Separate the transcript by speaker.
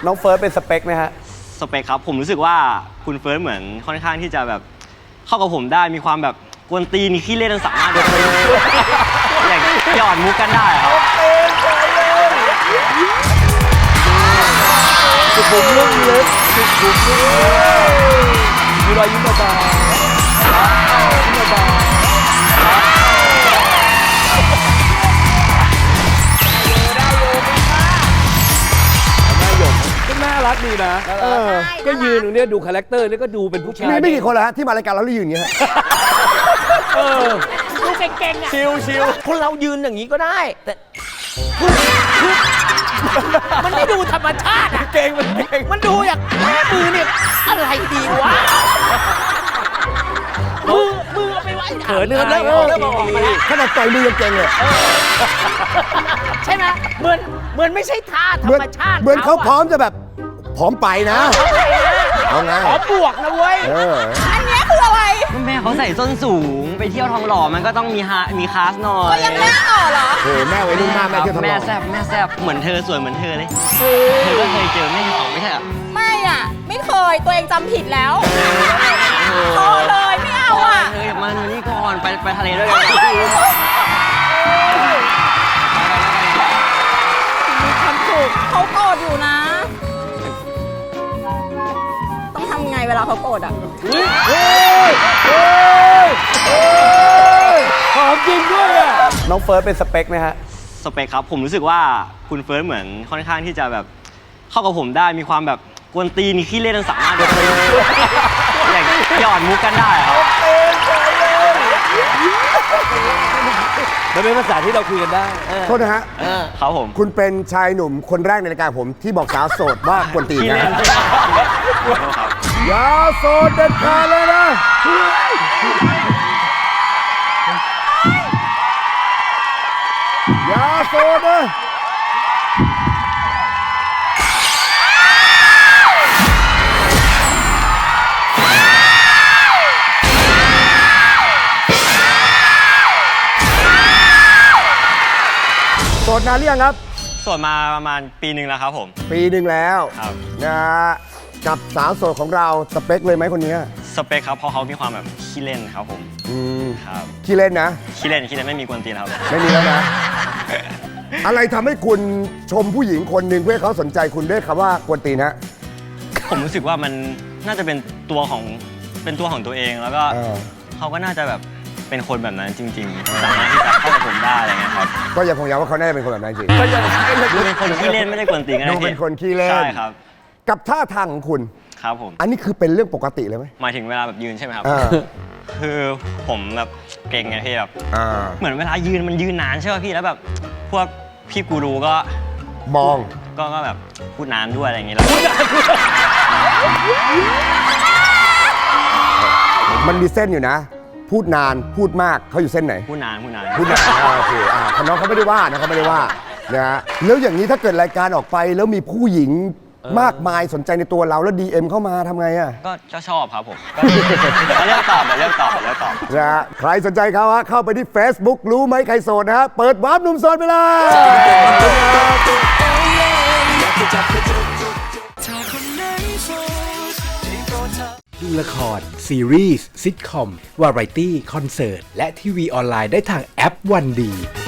Speaker 1: น้องเฟิร์สเป็นสเปคไหมฮะ
Speaker 2: สเปคครับผมรู้สึกว่าคุณเฟิร์สเหมือนค่อนข้างที่จะแบบเข้ากับผมได้มีความแบบกวนตีนขี้เล่นสามารถแบบอย่างหยอดมุกกันได้ครับ
Speaker 1: สุขุมลุ่มลึกสุขุมลุ่มลึกมีรอยยิ้มเบาๆยิ้มเบาๆน่ารักดีนะก็ยืนตรงนี้ดูคาแรคเตอร์แล้วก็ดูเป็นผู้ชาย
Speaker 3: ไม่กี่คนแล้วฮะที่มารายการเราแล้วยืนอย่างเงี้ย
Speaker 4: ดูเก่งๆอ่ะ
Speaker 1: ชิว
Speaker 4: คนเรายืนอย่างนี้ก็ได้แต่มันไม่ดูธรรมชาติอ่ะ
Speaker 1: เก่ง
Speaker 4: มันดูอย่างมือเนี่ยอะไรดีวะมือเอาไปไว้
Speaker 1: เขินเริ่มออกมาแล้ว
Speaker 3: ขนาดต่อยมือยังเก่งเลย
Speaker 4: ใช่ไหมเหมือนไม่ใช่ท่าธรรมชาติ
Speaker 3: เหมือนเขาพร้อมจะแบบพร้อมไปนะเอาไง
Speaker 4: ขอบวกนะเว้ย
Speaker 5: อันนี้คืออะไร
Speaker 2: แม่เขาใส่ส้นสูงไปเที่ยวทองหล่อมันก็ต้องมีคลาสหน่อย
Speaker 5: ก็ยังแม่ต่อเหรอ
Speaker 3: โอ้แม่ไว้รุ่นมากแม่เที่ยวทองหล่อ
Speaker 2: แม่แซ่บเหมือนเธอสวยเหมือนเธอเลยเธอก็เคยเจอแม่ของไม่ใช่หรอ
Speaker 5: ไม่อ่ะไม่เคยตัวเองจำผิดแล้วพอเลยไม่เอาอ่ะ
Speaker 2: เธออย่ามานี่ก่อนไปทะเลด้วยกัน
Speaker 5: มีความสุขเขาโกรธอยู่นะต้องทำไงเวลาเขาโกรธอ่ะ
Speaker 1: หอมจริงด้วยอ่ะน้องเฟิร์สเป็นสเปคไหมฮะ
Speaker 2: สเปคครับผมรู้สึกว่าคุณเฟิร์สเหมือนค่อนข้างที่จะแบบเข้ากับผมได้มีความแบบกวนตีนขี้เล่นสามารถแบบอย่างหยอดมุกกันได้ครับ
Speaker 1: มันเป็นภาษาที่เราคุยกันได้
Speaker 3: โทษนะฮะ
Speaker 2: ครับผม
Speaker 3: คุณเป็นชายหนุ่มคนแรกในรายการผมที่บอกสาวโสดว่ากวนตีนนะอย่าโสดเด็ดขาดเลยนะอย่าโสดนะโสดนานหรือยังครับ
Speaker 2: โสดมาประมาณปีหนึ่งแล้วครับผม
Speaker 3: ปีหนึ่งแล้ว
Speaker 2: ครับ
Speaker 3: นะฮะกับสาวโสดของเราสเปคเลยไหมคนนี้
Speaker 2: สเปคครับเพราะเขามีความแบบขี้เล่นครับผมครับ
Speaker 3: ขี้เล่นนะ
Speaker 2: ขี้เล่นไม่มีกวนตีนครับ
Speaker 3: ไม่มีแล้วนะ อะไรทำให้คุณชมผู้หญิงคนหนึ่งเพื่อให้เขาสนใจคุณด้วยคำว่ากวนตีนฮะ
Speaker 2: ผมรู้สึกว่ามันน่าจะเป็นตัวของตัวเองแล้วก็เขาก็น่าจะแบบเป็นคนแบบนั้นจริงๆสามารถที่จะเข้ากับผมได้อะไรเงี้ยครับ
Speaker 3: ก็ยังคงย้ำว่าเขาน่าจะเป็นคนแบบนั้นจริง
Speaker 2: ดูเป็นคนขี้เล่นไม่ได้กวนตีนกัน
Speaker 3: ดูเป็นคนขี้เล่น
Speaker 2: ใช่ครับ
Speaker 3: กับท่าทางของคุณ
Speaker 2: ครับผม
Speaker 3: อันนี้คือเป็นเรื่องปกติเลยไหม
Speaker 2: หมายถึงเวลาแบบยืนใช่ไหมครับคือผมแบบเก่งไงพี่แบบเหมือนเวลายืนมันยืนนานใช่ป่ะพี่แล้วแบบพวกพี่กูรูก็
Speaker 3: มอง
Speaker 2: ก็แบบพูดนานด้วยอะไรอย่างเงี้ยแล้ว
Speaker 3: มันมีเส้นอยู่นะพูดนานพูดมากเขาอยู่เส้นไหน
Speaker 2: พูดนานโ
Speaker 3: อเคน้องเขาไม่ได้ว่านะเขาไม่ได้ว่านะฮะแล้วอย่างนี้ถ้าเกิดรายการออกไปแล้วมีผู้หญิงมากมายสนใจในตัวเราแล้ว DM เข้ามาทำไงอ่ะ
Speaker 2: ก็ชอบครับผมเลือกตอบ
Speaker 3: นะฮะใครสนใจเขาฮะเข้าไปที่ Facebook รู้ไหมใครโสดนะฮะเปิดวาร์ปหนุ่มโสดไปเลย
Speaker 6: ดูละครซีรีส์ซิทคอมวาไรตี้คอนเสิร์ตและทีวีออนไลน์ได้ทางแอปวันดี